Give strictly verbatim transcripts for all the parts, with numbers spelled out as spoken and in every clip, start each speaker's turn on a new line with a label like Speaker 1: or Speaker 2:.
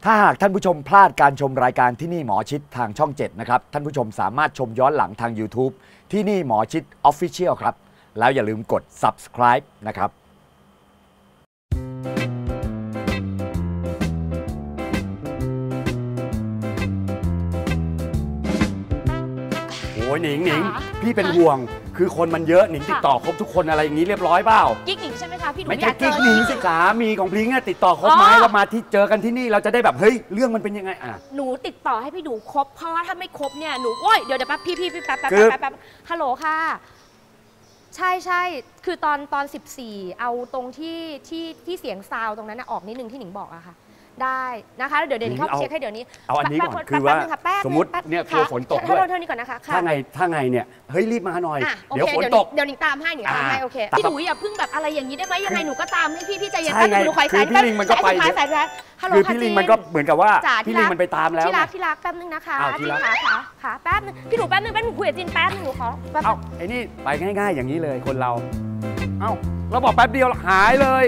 Speaker 1: ถ้าหากท่านผู้ชมพลาดการชมรายการที่นี่หมอชิดทางช่องเจ็ดนะครับท่านผู้ชมสามารถชมย้อนหลังทาง YouTube ที่นี่หมอชิด Official ครับแล้วอย่าลืมกด Subscribe นะครับโอ้ยหนิงหนิงพี่เป็นห่วงคือคนมันเยอะหนิงติดต่อครบทุกคนอะไรอย่างนี้เรียบร้อยเปล่า
Speaker 2: กิ๊กหนิงใช่ไหมคะพี่หนู
Speaker 1: ไม่ใช่กิ๊กหนิงสิขามีของพลิงติดต่อครบไหมเรามาที่เจอกันที่นี่เราจะได้แบบเฮ้ยเรื่องมันเป็นยังไงอ่ะ
Speaker 2: หนูติดต่อให้พี่ดูครบเพราะว่าถ้าไม่ครบเนี่ยหนูโอ้ยเดี๋ยวเดี๋ยวแป๊บพี่พี่แป๊บแป๊บแป๊บแป๊บฮัลโหลค่ะใช่ใช่คือตอนตอนสิบสี่เอาตรงที่ที่ที่เสียงซาวตรงนั้นออกนิดนึงที่หนิงบอกอะค่ะได้นะคะเดี๋ยวเดี๋ยวเข้าเช็คให้เดี๋ยวนี้
Speaker 1: เอาอันนี้ก่อนคือว่าสมมติเนี่ยกลัวฝนตกด้วย
Speaker 2: เท่านี้ก่อนนะคะ
Speaker 1: ถ้าไงถ้าไงเนี่ยเฮ้ยรีบมาหน่อยเดี๋ยวฝนตก
Speaker 2: เดี๋ยวหนิงตามให้หนิงตามให้โอเคพี่หนูอย่าเพิ่งแบบอะไรอย่างนี้ได้ไหมยังไงหนูก็ตามให้พี่พี่ใจเย็นแป๊บนึงหนูคอยสาย
Speaker 1: พี่ลิงมันก็ไป
Speaker 2: สายสายฮัลโหล
Speaker 1: คือพี่ลิงมันก็เหมือนกับว่าพี่ลิงมันไปตามแล้ว
Speaker 2: ที่รักที่รักแป๊บนึงนะคะที่รักค่ะค่ะแป๊บนึงพี่หนูแป๊บนึงแป๊บนึงคุยกับจินแป๊บนึงหนูขอ
Speaker 1: เอ้าไอ้นี่ไปง่ายๆอย่างนี้เลยคนเราเอ้าเราบอกแป๊บเดียวหายเลย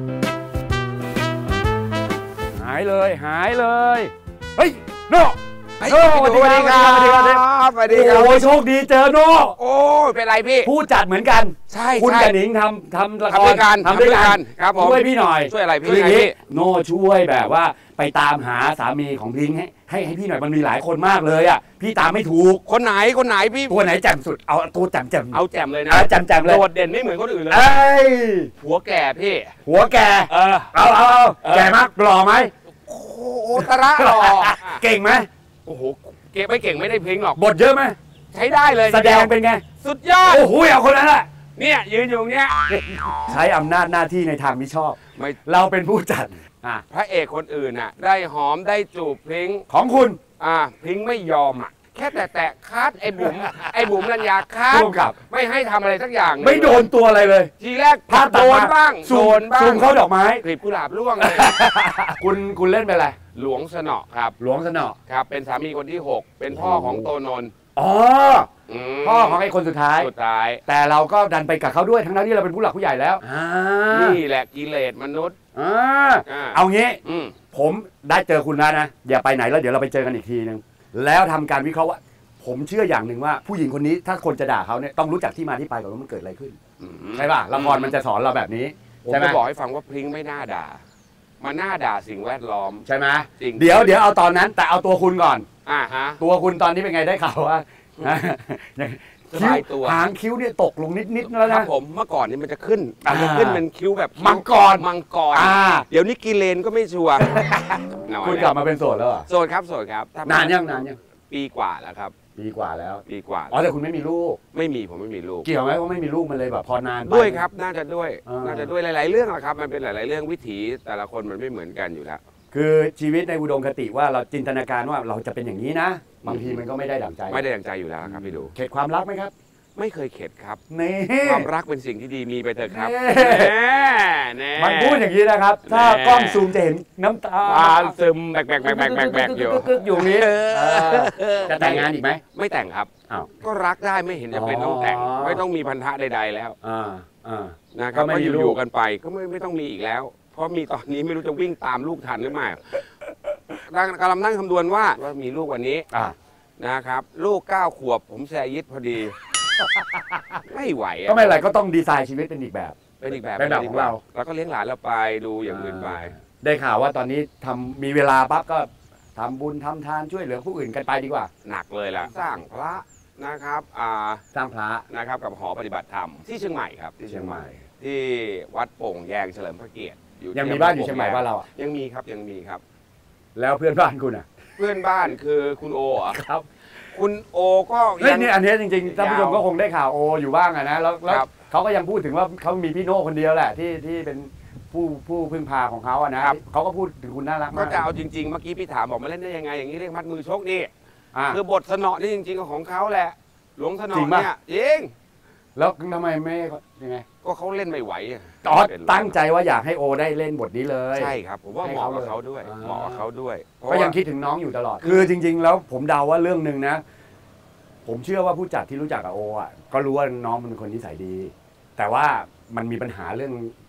Speaker 1: หายเลยหายเลยเฮ้ยโน่
Speaker 3: โน่สวัสดีครับสวัสดีครับสวัสดีครับ
Speaker 1: โอ้ยโชคดีเจอโน่
Speaker 3: โอ้ยเป็นไรพี่
Speaker 1: ผู้จัดเหมือนกัน
Speaker 3: ใช่
Speaker 1: คุณกับหนิงทำทำละคร
Speaker 3: ทำด้วยกันครับผม
Speaker 1: ช่วยพี่หน่อย
Speaker 3: ช่วยอะไรพี่
Speaker 1: โน่ช่วยแบบว่าไปตามหาสามีของพิงให้ให้ให้พี่หน่อยมันมีหลายคนมากเลยอ่ะพี่ตามไม่ถูก
Speaker 3: คนไหนคนไหนพี่
Speaker 1: ตัวไหนแจ่มสุดเอาตัวแจ่มแจ่ม
Speaker 3: เอาแจ่มเลยนะ
Speaker 1: แจ่มแจ่มเลย
Speaker 3: โดดเด่นไม่เหมือนคนอื่นเลยหัวแก่พี่
Speaker 1: หัวแก่เออเอาเอาแก่มากหล่อไหม
Speaker 3: โอ้โหตระหล่อ
Speaker 1: เก่งไหม
Speaker 3: โอ้โหเก่งไม่เก่งไม่ได้เพลงหรอก
Speaker 1: บทเยอะไหม
Speaker 3: ใช้ได้เลย
Speaker 1: แสดงเป็นไง
Speaker 3: สุดยอด
Speaker 1: โอ้โหเอาคนนั้นแหละ
Speaker 3: เนี่ยยืนอยู่เนี้ย
Speaker 1: ใช้อำนาจหน้าที่ในทางมิชอบเราเป็นผู้จัด
Speaker 3: พระเอกคนอื่นน่ะได้หอมได้จูบเพลง
Speaker 1: ของคุณ
Speaker 3: อ่าเพลงไม่ยอมอ่ะแค่แต่แตะคัดไอ้บุ๋มไอ้บุ๋มรัญญาคัดไม่ให้ทำอะไรสักอย่าง
Speaker 1: ไม่โดนตัวอะไรเลย
Speaker 3: ทีแรกโดนบ้างโดนบ้าง
Speaker 1: ซูมเข้าดอกไม้
Speaker 3: กลีบกุหลาบร่วงเลย
Speaker 1: คุณคุณเล่นเป็นอะไร
Speaker 3: หลวงสนอครับ
Speaker 1: หลวงสนอ
Speaker 3: ครับเป็นสามีคนที่หกเป็นพ่อของโตนนท์
Speaker 1: อ๋อพ่อของไอ้คนสุดท้าย
Speaker 3: สุดท้าย
Speaker 1: แต่เราก็ดันไปกับเขาด้วยทั้งนั้นที่เราเป็นผู้หลักผู้ใหญ่แล้ว
Speaker 3: นี่แหละกิเลสมนุษย์
Speaker 1: เอางี้ผมได้เจอคุณแล้วนะอย่าไปไหนแล้วเดี๋ยวเราไปเจอกันอีกทีนึงแล้วทำการวิเคราะห์ว่าผมเชื่ออย่างหนึ่งว่าผู้หญิงคนนี้ถ้าคนจะด่าเขาเนี่ยต้องรู้จักที่มาที่ไปก่อนว่ามันเกิดอะไรขึ้นใช่ป่ะละครมันจะสอนเราแบบนี้
Speaker 3: ผมจะบอกให้ฟังว่าพริ้งไม่น่าด่ามาน่าด่าสิ่งแวดล้อม
Speaker 1: ใช่ไหมจริงเดี๋ยวเดี๋ยวเอาตอนนั้นแต่เอาตัวคุณก่อน
Speaker 3: อ่าฮะ
Speaker 1: ตัวคุณตอนนี้เป็นไงได้ข่าวว่าคิ้วตัวหางคิ้วเนี่ยตกลงนิดๆแล้วนะ
Speaker 3: ผมเมื่อก่อนนี่มันจะขึ้นมันจะขึ้นเป็นคิ้วแบบ
Speaker 1: มังกร
Speaker 3: มังกรเดี๋ยวนี้กิเลนก็ไม่ชัวร์
Speaker 1: คุณกลับมาเป็นโสดแล้วเหรอ
Speaker 3: โสดครับโสดครับ
Speaker 1: นานยังนานยัง
Speaker 3: ปีกว่าแล้วครับ
Speaker 1: ปีกว่าแล้ว
Speaker 3: ปีกว่า
Speaker 1: อ๋อแต่คุณไม่มีลูก
Speaker 3: ไม่มีผมไม่มีลูก
Speaker 1: เกี่ยวไหมว่าไม่มีลูกมันเลยแบบพอนาน
Speaker 3: ด้วยครับน่าจะด้วยน่าจะด้วยหลายๆเรื่องแหละครับมันเป็นหลายๆเรื่องวิถีแต่ละคนมันไม่เหมือนกันอยู่แล้ว
Speaker 1: คือชีวิตในอุดมคติว่าเราจินตนาการว่าเราจะเป็นอย่างนี้นะบางทีมันก็ไม่ได้ดั่งใจ
Speaker 3: ไม่ได้ดั่งใจอยู่แล้วครับพี่ดู
Speaker 1: เข็ดความรักไหมครับ
Speaker 3: ไม่เคยเข็ดครับความรักเป็นสิ่งที่ดีมีไปเถอะครับ
Speaker 1: มันพูดอย่างนี้นะครับถ้ากล้องซูมจะเห็นน้ำตา
Speaker 3: ซึมแบกแบกแบกแบกแบกแบกอยู่
Speaker 1: อยู่นี้จะแต่งงานอีกไหม
Speaker 3: ไม่แต่งครับก็รักได้ไม่เห็นจะเป็นต้องแต่งไม่ต้องมีพันธะใดๆแล้วนะครับก็อยู่กันไปก็ไม่ไม่ต้องมีอีกแล้วเพราะมีตอนนี้ไม่รู้จะวิ่งตามลูกทันหรือไม่กำลังนั่งคำนวณว่าว่ามีลูกวันนี้นะครับลูกเก้าขวบผมแซยิดพอดีไม่ไหว
Speaker 1: ก็ไม่ไรก็ต้องดีไซน์ชีวิตเป็นอีกแบบ
Speaker 3: เป็นอีกแบบ
Speaker 1: เป็นแบบของเรา
Speaker 3: แล้วก็เลี้ยงหลานเราไปดูอย่างอื่นไป
Speaker 1: ได้ข่าวว่าตอนนี้ทำมีเวลาปั๊บก็ทำบุญทำทานช่วยเหลือผู้อื่นกันไปดีกว่า
Speaker 3: หนักเลยล่ะสร้างพระนะครับ
Speaker 1: สร้างพระ
Speaker 3: นะครับกับหอปฏิบัติธรรมที่เชียงใหม่ครับที่เชียงใหม่ที่วัดโป่งแยงเฉลิมพระเกียรติ
Speaker 1: ยังมีบ้านอยู่เชียงใหม่บ้านเราอ่ะ
Speaker 3: ยังมีครับยังมีครับ
Speaker 1: แล้วเพื่อนบ้านคุณอ่ะ
Speaker 3: เพื่อนบ้านคือคุณโอครับคุณโอก็
Speaker 1: เฮ้ยนี่อันนี้จริงๆท่านผู้ชมก็คงได้ข่าวโออยู่บ้างอะนะแล้วเขาก็ยังพูดถึงว่าเขามีพี่โน่คนเดียวแหละที่ที่เป็นผู้ผู้พึ่งพาของเขาอะนะเขาก็พูดถึงคุณน่ารักมาก
Speaker 3: ก็จะเอาจริงๆเมื่อกี้พี่ถามบอกมาเล่นได้ยังไงอย่างนี้เรียกมัดมือชกนี่คือบทสนอนี่จริงๆของเขาแหละหลวงสนอเนี่ยจริง
Speaker 1: แล้วทำไมไม่ยังไง
Speaker 3: ก็เขาเล่นไม่ไหว
Speaker 1: อ๋อตั้งใจว่าอยากให้โอได้เล่นบทนี้เลย
Speaker 3: ใช่ครับผมว่าเหมาะกับเขาด้วยเหมาะกับเขาด้วย
Speaker 1: ก็ยังคิดถึงน้องอยู่ตลอดคือจริงๆแล้วผมเดาว่าเรื่องนึงนะผมเชื่อว่าผู้จัดที่รู้จักกับโออ่ะก็รู้ว่าน้องมันเป็นคนนิสัยดีแต่ว่ามันมีปัญหาเรื่อง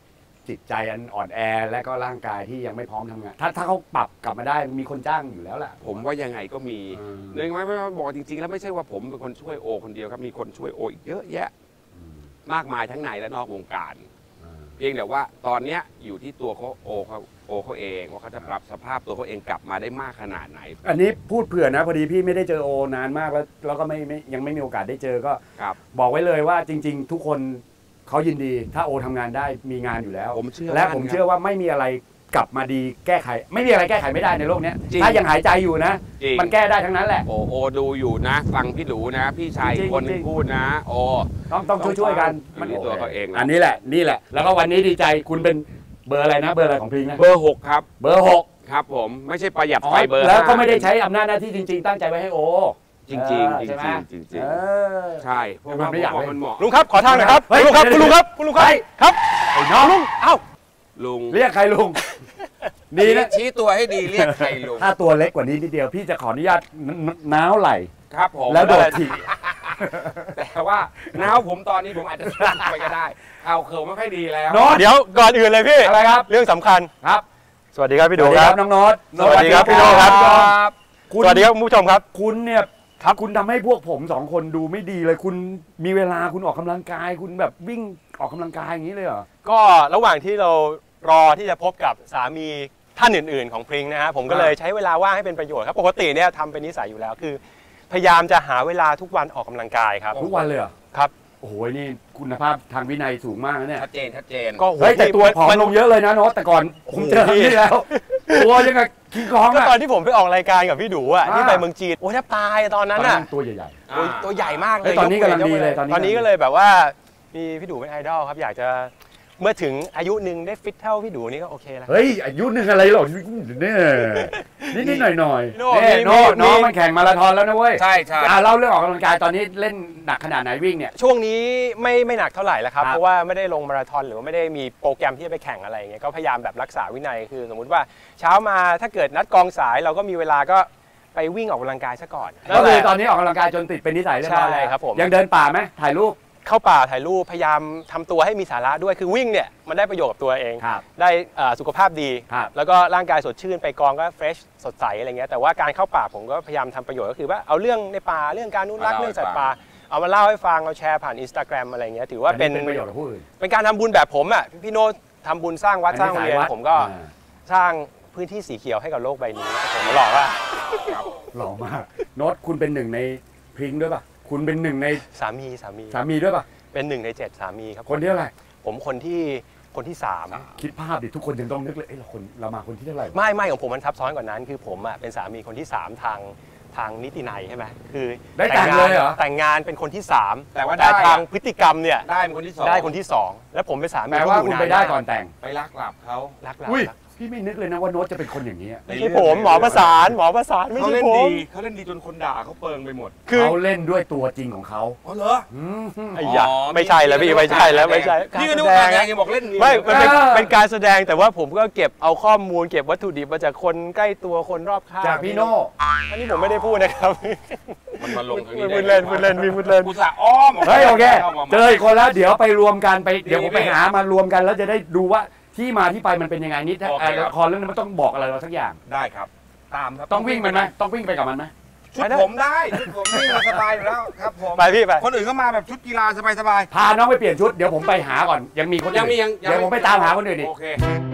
Speaker 1: จิตใจอันอ่อนแอและก็ร่างกายที่ยังไม่พร้อมทำงานถ้าถ้าเขาปรับกลับมาได้มีคนจ้างอยู่แล้วแหละ
Speaker 3: ผมว่ายังไงก็มีเนื่องไม่ไม่บอกจริงๆแล้วไม่ใช่ว่าผมเป็นคนช่วยโอคนเดียวครับมีคนช่วยโออีกเยอะแยะมากมายทั้งในและนอกวงการเพียงแต่ว่าตอนนี้อยู่ที่ตัวเขาโอเขาโอเขาเองว่าเขาจะปรับสภาพตัวเขาเองกลับมาได้มากขนาดไหน
Speaker 1: อันนี้พูดเผื่อนะพอดีพี่ไม่ได้เจอโอนานมากแล้วแล้วก็ไม่ไม่ยังไม่มีโอกาสได้เจอก็บอกไว้เลยว่าจริงๆทุกคนเขายินดีถ้าโอทำงานได้มีงานอยู่แล้ว
Speaker 3: ผมเชื่อ
Speaker 1: และผมเชื่อว่าไม่มีอะไรกลับมาดีแก้ไขไม่มีอะไรแก้ไขไม่ได้ในโลกนี้ถ้ายังหายใจอยู่นะมันแก้ได้ทั้งนั้นแหละ
Speaker 3: โอโอดูอยู่นะฟังพี่ดูนะพี่ชายคนนึงพูดนะโอ
Speaker 1: ต้องต้องช่วยๆกัน
Speaker 3: มันตัวเขาเอง
Speaker 1: อันนี้แหละนี่แหละแล้วก็วันนี้ดีใจคุณเป็นเบอร์อะไรนะเบอร์อะไรของพิงนะ
Speaker 3: เบอร์หกครับ
Speaker 1: เบอร์หก
Speaker 3: ครับผมไม่ใช่ประหยัดไฟเบอร์
Speaker 1: แล้วก็ไม่ได้ใช้อำนาจหน้าที่จริงๆตั้งใจไว้ให้โอ
Speaker 3: จริงๆจริงๆจริงๆจริงๆใช่เพราะว่า
Speaker 1: ไม่อยาก
Speaker 3: มันเหมาะ
Speaker 4: ลุงครับขอทางหน่อยครับลุงครับคุณลุงครับคุณลุงครับครับ
Speaker 1: ไอ้น้องลุง
Speaker 3: เอ้าลุง
Speaker 1: เรียกใครลุง
Speaker 3: ดีนะชี้ตัวให้ดีเรียกใครลุง
Speaker 1: ถ้าตัวเล็กกว่านี้นิดเดียวพี่จะขออนุญาตน้าวไหล
Speaker 3: ครับผม
Speaker 1: แล้วโดดถีบ
Speaker 3: แต่ว่าน้าวผมตอนนี้ผมอาจจะไปก็ได้เอาเขินไม่ค่อยดีแล้ว
Speaker 4: เดี๋ยวก่อนอื่นเลยพี่
Speaker 1: อะไรครับ
Speaker 4: เรื่องสำคัญ
Speaker 1: ครับ
Speaker 4: สวัสดีครับพี่ดู
Speaker 1: ครับน้องโน้ต
Speaker 4: สวัสดีครับพี่โน้ตครับสวัสดีครับผู้ชมครับ
Speaker 1: คุณเนี่ยครับคุณทำให้พวกผมสองคนดูไม่ดีเลยคุณมีเวลาคุณออกกำลังกายคุณแบบวิ่งออกกำลังกายอย่างนี้เลยเหรอ
Speaker 4: ก็ระหว่างที่เรารอที่จะพบกับสามีท่านอื่นๆของพริ้งนะฮะผมก็เลยใช้เวลาว่างให้เป็นประโยชน์ครับปกติเนี่ยทำเป็นนิสัยอยู่แล้วคือพยายามจะหาเวลาทุกวันออกกำลังกายครับ
Speaker 1: ทุกวันเลยเหรอ
Speaker 4: ครับ
Speaker 1: โอ้โหนี่คุณภาพทางวินัยสูงมากนะเนี่ย
Speaker 3: ชัดเจนชัดเจน
Speaker 1: ก็เฮ้ยแต่ตัวผอมลงเยอะเลยนะโน้ตแต่ก่อนผมเจอที่แล้วตัวยังไงคิงคอง
Speaker 4: ก็ตอนที่ผมไปออกรายการกับพี่ดูอ่ะที่ไปเมืองจีนโอ้แทบตายตอนนั้นอ่ะ
Speaker 1: ตัวใหญ่
Speaker 4: ๆตัวใหญ่มากเลย
Speaker 1: ตอนนี้กำลังดีเลย
Speaker 4: ตอนนี้ก็เลยแบบว่ามีพี่ดูเป็นไอดอลครับอยากจะเมื่อถึงอายุหนึ่งได้ฟิตเท่าพี่ดูนี่ก็โอเคแล้ว
Speaker 1: เฮ้ยอายุหนึ่งอะไรหรอกเนี่ยนิดๆหน่อยๆเนี่ยโน้ตน้องมันแข่งมาราธอนแล้วนะเว้ย
Speaker 3: ใช่ใช่
Speaker 1: เล่าเรื่องออกกำลังกายตอนนี้เล่นหนักขนาดไหนวิ่งเนี่ย
Speaker 4: ช่วงนี้ไม่ไม่หนักเท่าไหร่แล้วครับเพราะว่าไม่ได้ลงมาราธอนหรือว่าไม่ได้มีโปรแกรมที่จะไปแข่งอะไรเงี้ยก็พยายามแบบรักษาวินัยคือสมมุติว่าเช้ามาถ้าเกิดนัดกองสายเราก็มีเวลาก็ไปวิ่งออกกำลังกายซะก่อน
Speaker 1: ก็คือตอนนี้ออกกำลังกายจนติดเป็นนิสัยเรียบร้อยแล้ว
Speaker 4: ครับผม
Speaker 1: ยังเดินป่าไหมถ่ายรูป
Speaker 4: เข้าป่าถ่ายรูปพยายามทำตัวให้มีสาระด้วยคือวิ่งเนี่ยมันได้ประโยชน์กับตัวเองได้สุขภาพดีแล้วก็ร่างกายสดชื่นไปกองก็เฟรชสดใสอะไรเงี้ยแต่ว่าการเข้าป่าผมก็พยายามทำประโยชน์ก็คือว่าเอาเรื่องในป่าเรื่องการอนุรักษ์เรื่องสัตว์ป่าเอามาเล่าให้ฟังเอาแชร์ผ่าน Instagram อะไรเงี้ยถือว่าเป็น
Speaker 1: ประโยชน์กับผู้อื่น
Speaker 4: เป็นการทำบุญแบบผมอ่ะพี่โน้ตทำบุญสร้างวัดสร้างโรงเรียนผมก็สร้างพื้นที่สีเขียวให้กับโลกใบนี้ผมหล่อว่า
Speaker 1: หล่อมากโน้ตคุณเป็นหนึ่งในพริ้งด้วยป่ะคุณเป็นหนึ่งใน
Speaker 4: สามีสามี
Speaker 1: สามีด้วยป่ะ
Speaker 4: เป็นหนึ่งในเจ็ดสามีครับ
Speaker 1: คนที่เท่าไหร่
Speaker 4: ผมคนที่คนที่สาม
Speaker 1: คิดภาพดิทุกคนยังต้องนึกเลยเอ้ยเราคนเรามาคนที่เท่าไหร่
Speaker 4: ไม่ไม่ของผมมันซับซ้อนกว่านั้นคือผมอ่ะเป็นสามีคนที่สามทางทางนิตินัยใช่ไหมคือ
Speaker 1: ได้แต่งเลยเหรอ
Speaker 4: แต่งงานเป็นคนที่สาม
Speaker 3: แต่ว่า
Speaker 4: ได้ทางพฤติกรรมเนี่ย
Speaker 3: ได้เป็นคนที่สอง
Speaker 4: ได้คนที่สองแล้วผมเป็นสามี
Speaker 1: แปลว่าคุณไปได้ก่อนแต่ง
Speaker 3: ไปลักหลับเขา
Speaker 4: ลักหลับ
Speaker 1: พี่ไม่นึกเลยนะว่าโน้ตจะเป็นคนอย่างนี้
Speaker 4: ไม่ใช่ผมหมอประสานหมอประสานไม่ใช่ผม
Speaker 3: เขาเล่นดีจนคนด่าเขาเปิงไปหมด
Speaker 1: เขาเล่นด้วยตัวจริงของเขา
Speaker 3: อ๋อเหรอ
Speaker 4: ไอ้ยาไม่ใช่แล้วพี่ไม่ใช่แล้วไม่ใช่
Speaker 3: พี่ก็นึกว่าการยังบอกเล่น
Speaker 4: ไม่มันเป็นการแสดงแต่ว่าผมก็เก็บเอาข้อมูลเก็บวัตถุดิบมาจากคนใกล้ตัวคนรอบข้าง
Speaker 1: จากพี่โน่
Speaker 4: อันนี้ผมไม่ได้พูดนะครับ
Speaker 3: มันมาลง
Speaker 4: มีพูดเล่นพูดเล่นมีพูดเล่น
Speaker 3: กูสะอ้อม
Speaker 1: เฮ้ยโอเคเจออีกคนแล้วเดี๋ยวไปรวมกันไปเดี๋ยวผมไปหามารวมกันแล้วจะได้ดูว่าที่มาที่ไปมันเป็นยังไงนิดละครเรื่องนั้นมันต้องบอกอะไรเราสักอย่าง
Speaker 3: ได้ครับตามครับ
Speaker 1: ต้องวิ่งมันไหมต้องวิ่งไปกับมันไหม
Speaker 3: ชุดผมได้ชุดผมวิ่งสบายอยู่แล้วครับผม
Speaker 4: ไปพี่ไป
Speaker 3: คนอื่นก็มาแบบชุดกีฬาสบาย
Speaker 1: ๆพาน้องไปเปลี่ยนชุดเดี๋ยวผมไปหาก่อนยังมีคน
Speaker 3: ยังมียัง
Speaker 1: เดี๋ยวผมไปตามหาคนอื่นอีก
Speaker 3: โอเค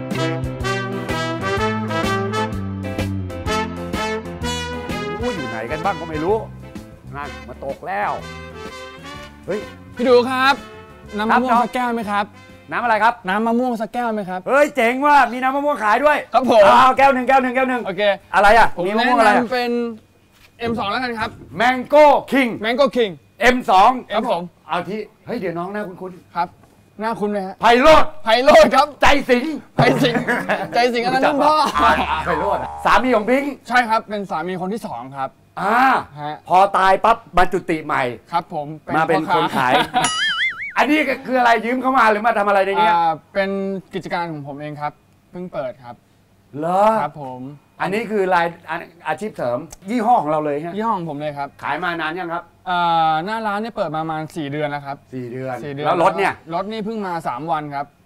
Speaker 1: อยู่ไหนกันบ้างก็ไม่รู้นั่นมาตกแล้วเฮ้ย
Speaker 5: พี่ดูครับน้ำมะม่วงสักแก้วไหมครับ
Speaker 1: น้ำอะไรครับ
Speaker 5: น้ำมะม่วงสักแก้วไหมครับ
Speaker 1: เฮ้ยเจ๋งว่ะมีน้ำมะม่วงขายด้วย
Speaker 5: ครับผม
Speaker 1: เอาแก้วหนึ่งแก้วหนึ่งแก้วหนึ่ง
Speaker 5: โอเค
Speaker 1: อะไรอ่ะ
Speaker 5: มีมะม่วงอะไรเป็น เอ็ม สอง แล้วกันครับ
Speaker 1: Mango King
Speaker 5: Mango King
Speaker 1: เอ็ม สอง
Speaker 5: ครับผม
Speaker 1: เอาที่เฮ้ยเดี๋ยวน้องหน้าคุ้น
Speaker 5: ๆครับหน้าคุ้นไหมฮะ
Speaker 1: ไพโรจน์
Speaker 5: ไพโรจน์ครับ
Speaker 1: ใจสิง
Speaker 5: ใจสิงใจสิงอันนั้นพ่อ
Speaker 1: ไพโรจน์สามีของพิงค์
Speaker 5: ใช่ครับเป็นสามีคนที่สองครับ
Speaker 1: อ่าพอตายปั๊บมาจุติใหม่
Speaker 5: ครับผม
Speaker 1: มาเป็นคนขายอันนี้คืออะไรยืมเข้ามาหรือมาทำอะไรในนี้
Speaker 5: เป็นกิจการของผมเองครับเพิ่งเปิดครับ
Speaker 1: เหรอ
Speaker 5: ครับผม
Speaker 1: อันนี้คือรายอาชีพเสริมยี่ห้อของเราเลยฮะ
Speaker 5: ยี่ห้อของผมเลยครับ
Speaker 1: ขายมานานยังครับ
Speaker 5: หน้าร้านเนี่ยเปิดมาประมาณสี่เดือนแล้วครับ
Speaker 1: สี่เดือนแล้วรถเนี่ย
Speaker 5: รถนี่เพิ่งมาสามวันครับเ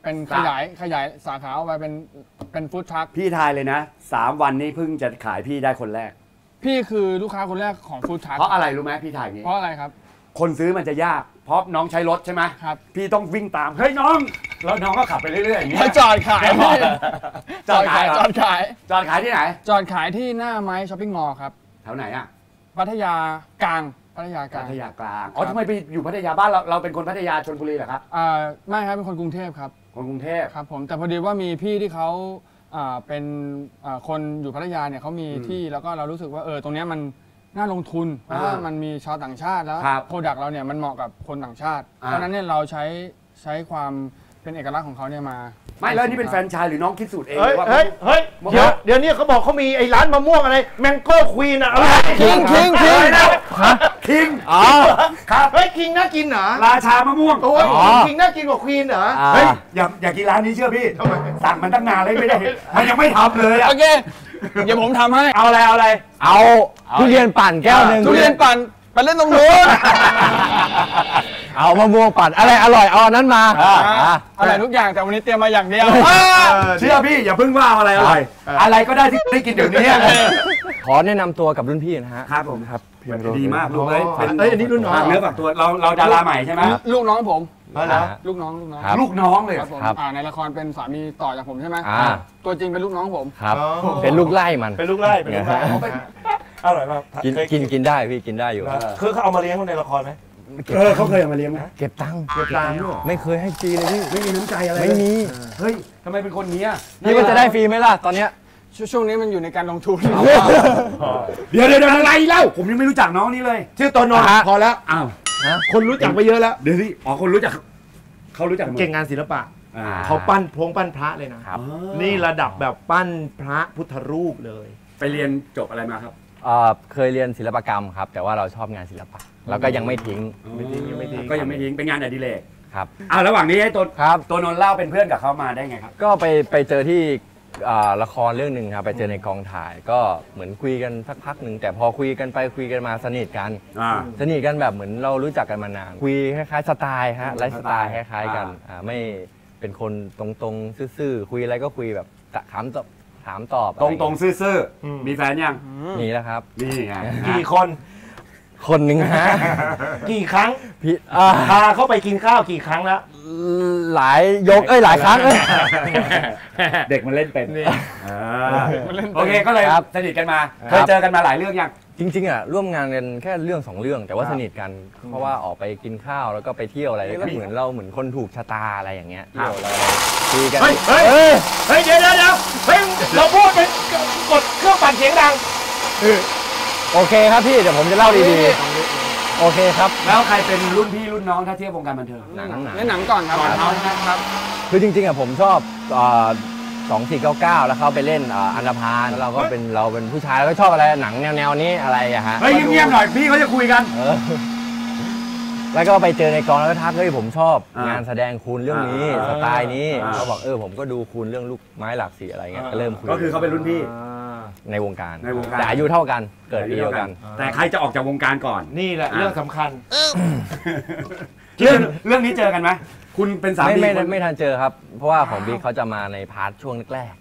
Speaker 5: เป็นขยายขยายสาขาออกไปเป็นเป็นฟู้ดทรัค
Speaker 1: พี่ทายเลยนะสามวันนี้เพิ่งจะขายพี่ได้คนแรก
Speaker 5: พี่คือลูกค้าคนแรกของฟู้ดทรัค
Speaker 1: เพราะอะไรรู้ไหมพี่ทายอย่างนี้
Speaker 5: เพราะอะไรครับ
Speaker 1: คนซื้อมันจะยากเพราะน้องใช้รถใช่ไหม
Speaker 5: ครับ
Speaker 1: พี่ต้องวิ่งตามเฮ้ยน้องแล้วน้องก็ขับไปเรื่อยๆอย่างนี้
Speaker 5: จอดขายจอดขายจอดขาย
Speaker 1: จอดขายที่ไหน
Speaker 5: จอดขายที่หน้าไม้ช้อปปิ้งมอลล์ครับ
Speaker 1: แถวไหนอ่ะ
Speaker 5: พัทยากลางพัทยากลาง
Speaker 1: พัทยากลางอ๋อทำไมไปอยู่พัทยาบ้านเราเราเป็นคนพัทยาชลบุรีเหรอครับ
Speaker 5: อ่าไม่ครับเป็นคนกรุงเทพครับ
Speaker 1: คนกรุงเทพ
Speaker 5: ครับผมแต่พอดีว่ามีพี่ที่เขาอ่าเป็นอ่าคนอยู่พัทยาเนี่ยเขามีที่แล้วก็เรารู้สึกว่าเออตรงนี้มันน่าลงทุนเพราะว่ามันมีชาวต่างชาติแล้วโปรดักต์เราเนี่ยมันเหมาะกับคนต่างชาติเพราะนั้นเนี่ยเราใช้ใช้ความเป็นเอกลักษณ์ของเขาเนี่ยมา
Speaker 1: ไม่แล้วนี่เป็นแฟรนไชส์หรือน้องคิดสูตรเอง
Speaker 6: ว่าเฮ้ยเฮ้ยเดี๋ยวเดี๋ยวนี้เขาบอกเขามีไอ้ร้านมะม่วงอะไรแมงโก้ควีนอะอะไร
Speaker 5: คิงคิงคิง
Speaker 1: คิง
Speaker 6: อ๋อครับเฮ้ยคิงน่ากินเหรอ
Speaker 1: ราชามะม่วง
Speaker 6: โอ้ยคิงน่ากินกว่าควีนเหรอ
Speaker 1: เฮ้ยอย่าอย่ากินร้านนี้เชื่อพี่สั่งมันตั้งนานเลยไม่ได้มันยังไม่ทำเลย
Speaker 5: โอเคเดี๋ยวผมทำให้
Speaker 1: เอาอะไรเอาอะไร
Speaker 5: เอาทุเรียนปั่นแก้วหนึ่งทุเรียนปั่นไปเล่นตรงนู้นเอามะม่วงปั่นอะไรอร่อยเอาอันนั้นมาอร่อยทุกอย่างแต่วันนี้เตรียมมาอย่างเดียว
Speaker 1: เชื่อพี่อย่าเพิ่งว่าอะไรอร่อยอะไรก็ได้ที่ได้กินเดี๋ยวนี้
Speaker 5: ขอแนะนำตัวกับรุ่นพี่นะฮะ
Speaker 1: ครับผมครับดีมากลูก
Speaker 6: เอ้ยเอ้ยอันนี้รุ่นน้อง
Speaker 1: เนื้อฝักตัวเราเราดาราใหม่ใช่ไหม
Speaker 5: ลูกน้องผมลูกน้องลูกน้อง
Speaker 1: ลูกน้องเลย
Speaker 5: ครับในละครเป็นสามีต่อจากผมใช่ไหมตัวจริงเป็นลูกน้องผม
Speaker 7: ครับเป็นลูกไล่มัน
Speaker 6: เป็นลูกไล่เป็นลูกไล่อร่อยมาก
Speaker 7: กินกินกินได้พี่กินได้อยู่
Speaker 6: คือเขาเอามาเลี้ยงในละครไหม
Speaker 1: เออเขาเคยเอามาเลี้ยงไหม
Speaker 7: เก็บตังค์
Speaker 1: เก็บตังค์
Speaker 7: ไม่เคยให้ฟรีเลยพี่
Speaker 1: ไม่มีน้ำใจอะไร
Speaker 7: ไม่มี
Speaker 1: เฮ้ยทำไมเป็นคนนี้
Speaker 7: นี่มันจะได้ฟรีไหมล่ะตอนเนี้ย
Speaker 5: ช่วงนี้มันอยู่ในการลงทุน
Speaker 1: เดี๋ยวเดี๋ยวอะไรเล่าผมยังไม่รู้จักน้องนี้เลย
Speaker 6: ชื่อตัวนนท์พอแล้ว
Speaker 1: อ้าว
Speaker 6: คนรู้จักไปเยอะแล้ว
Speaker 1: เดี๋ยวสิอ๋อคนรู้จักเขารู้จัก
Speaker 6: เก่งงานศิลปะเขาปั้นพงปั้นพระเลยนะนี่ระดับแบบปั้นพระพุทธรูปเลย
Speaker 1: ไปเรียนจบอะไรมาครับ
Speaker 7: เคยเรียนศิลปกรรมครับแต่ว่าเราชอบงานศิลปะแล้วก็ยังไม่ทิ้ง
Speaker 1: ไม่ทิ้งยังไม่ทิ้งก็ยังไม่ทิ้งเป็นงานอดิเรก
Speaker 7: ครับ
Speaker 1: อ้าวระหว่างนี้ให้ตัวตัวนนท์เล่าเป็นเพื่อนกับเขามาได้ไงครับ
Speaker 7: ก็ไปไปเจอที่ละครเรื่องหนึ่งครับไปเจอในกองถ่ายก็เหมือนคุยกันสักพักหนึ่งแต่พอคุยกันไปคุยกันมาสนิทกันสนิทกันแบบเหมือนเรารู้จักกันมานานคุยคล้ายๆสไตล์ฮะไลฟ์สไตล์คล้ายๆกันไม่เป็นคนตรงๆซื่อๆคุยอะไรก็คุยแบบถามตอบถามตอบ
Speaker 1: ตรงๆซื่อๆมีแฟนยัง
Speaker 7: มีแล้วครับ
Speaker 1: นี่ไง
Speaker 6: กี่คน
Speaker 7: คนหนึ่งฮะ
Speaker 6: กี่ครั้ง
Speaker 7: พี่
Speaker 6: พาเข้าไปกินข้าวกี่ครั้งแล้ว
Speaker 7: หลายยกเอ้ยหลายครั้งเอ้ย
Speaker 1: เด็กมันเล่นเป็นโอเคก็เลยสนิทกันมาเคยเจอกันมาหลายเรื่องยัง
Speaker 7: จริงๆอ่ะร่วมงานกันแค่เรื่องสองเรื่องแต่ว่าสนิทกันเพราะว่าออกไปกินข้าวแล้วก็ไปเที่ยวอะไรก็เหมือนเราเหมือนคนถูกชะตาอะไรอย่างเงี้ยเที่ยวอะไรคุยกัน
Speaker 6: เฮ้ยเฮ้ยเฮ้ยเดี๋ยวเดี๋ยวเดี๋ยวเฮ้ยเราพูดเป็นกดเครื่องปั่นเสียงดัง
Speaker 7: โอเคครับพี่เดี๋ยวผมจะเล่าดีๆโอเคครับ
Speaker 1: แล้วใครเป็นรุ่นพี่รุ่นน้องถ้าเทียบวงการบันเทิง
Speaker 5: หนังหนังหนังก่อนครับก่อนเขาครับ
Speaker 7: คือจริงๆอ่ะผมชอบสองสี่เก้าเก้าแล้วเขาไปเล่นอันธพาลแล้วเราก็เป็นเราเป็นผู้ชายแล้วก็ชอบอะไรหนังแนวๆนี้อะไรอะฮะ
Speaker 1: เฮ้ยเงียบๆหน่อยพี่เขาจะคุยกัน
Speaker 7: แล้วก็ไปเจอในกองแล้วก็ทักเฮ้ยผมชอบงานแสดงคุณเรื่องนี้สไตล์นี้เขาบอกเออผมก็ดูคุณเรื่องลูกไม้หลากสีอะไรเงี้ยก็เริ่มคุย
Speaker 1: ก็คือเขาเป็นรุ่นพี่
Speaker 7: ในวงการ
Speaker 1: ในวงการ
Speaker 7: แต่อายุเท่ากันเกิดปีเดียวกัน
Speaker 1: แต่ใครจะออกจากวงการก่อน
Speaker 6: นี่แหละเรื่องสำคัญ
Speaker 1: เรื่องเรื่องนี้เจอกันไหมคุณเป็นสามี
Speaker 7: ไม่ไม่ไม่ทันเจอครับเพราะว่าของบิ๊กเขาจะมาในพาร์ทช่วงแรก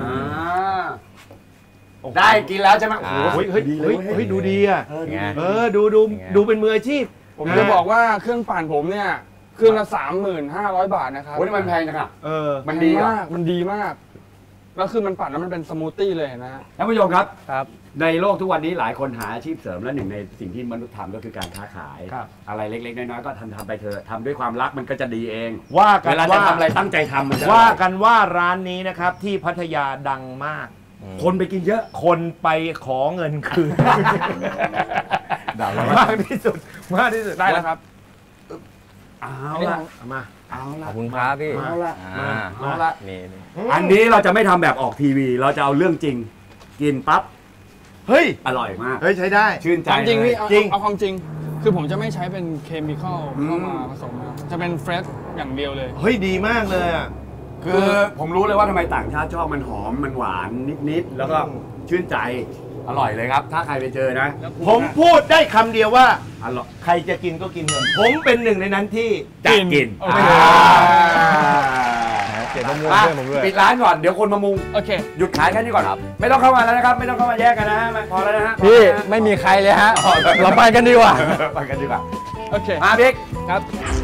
Speaker 1: ได้กินแล้วใช่ไหม
Speaker 6: โอ้ยเฮ้ยเฮ้ยเฮ้ยดูดีอ่ะเออดูดูดูเป็นมืออาชีพ
Speaker 5: ผมจะบอกว่าเครื่องปั่นผมเนี่ยเครื่องละสามหมื่นห้าร้อยบาทนะครับ
Speaker 1: โอ้ยมันแพงจังอ่ะ
Speaker 5: เออมันดีมากมันดีมากแล้วคือมันปั่นแล้วมันเป็นสมูทตี้เลยนะ
Speaker 1: ท่านผู้ชมครับ
Speaker 7: ครับ
Speaker 1: ในโลกทุกวันนี้หลายคนหาอาชีพเสริมและหนึ่งในสิ่งที่มนุษย์ทำก็คือการค้าขายอะไรเล็กๆน้อยๆก็ทำทำไปเถอะทำด้วยความรักมันก็จะดีเอง
Speaker 6: ว่ากัน
Speaker 1: ว่าทำอะไรตั้งใจทำมันจะ
Speaker 6: ว่ากันว่าร้านนี้นะครับที่พัทยาดังมาก
Speaker 1: คนไปกินเยอะ
Speaker 6: คนไปขอเงินคืนมากที่สุดมากที่สุด
Speaker 5: ได้แล้วครับ
Speaker 1: เอาละมา
Speaker 7: เอาละขอบคุณครับพี่
Speaker 1: เอาละ
Speaker 7: เอาละนี่
Speaker 1: อันนี้เราจะไม่ทำแบบออกทีวีเราจะเอาเรื่องจริงกินปั๊บ
Speaker 6: เฮ้ย
Speaker 1: อร่อยมาก
Speaker 6: เฮ้ยใช้ได้
Speaker 1: ชื่นใจ
Speaker 5: จริงพี่จริงเอาความจริงคือผมจะไม่ใช้เป็นเคมีคอลเข้ามาผสมจะเป็นเฟรชอย่างเดียวเลย
Speaker 6: เฮ้ยดีมากเลยอ่ะ
Speaker 1: คือผมรู้เลยว่าทำไมต่างชาติชอบมันหอมมันหวานนิดๆแล้วก็ชื่นใจอร่อยเลยครับถ้าใครไปเจอนะ
Speaker 6: ผมพูดได้คำเดียวว่าอร่อยใครจะกินก็กินเถอะผมเป็นหนึ่งในนั้นที่
Speaker 1: จะกิน
Speaker 7: เขียนมะม่วงด้วยผมด้วย
Speaker 1: ปิดร้านก่อนเดี๋ยวคนมามุง
Speaker 5: โอเค
Speaker 1: หยุดขายแค่นี้ก่อนครับไม่ต้องเข้ามาแล้วนะครับไม่ต้องเข้ามาแยกกันนะฮะพอแล้วนะฮะ
Speaker 7: พี่ไม่มีใครเลยฮะเราไปกันดีกว่า
Speaker 1: ไปกันดีกว่า
Speaker 5: โอเค
Speaker 1: มาบิ๊ก
Speaker 5: ครับ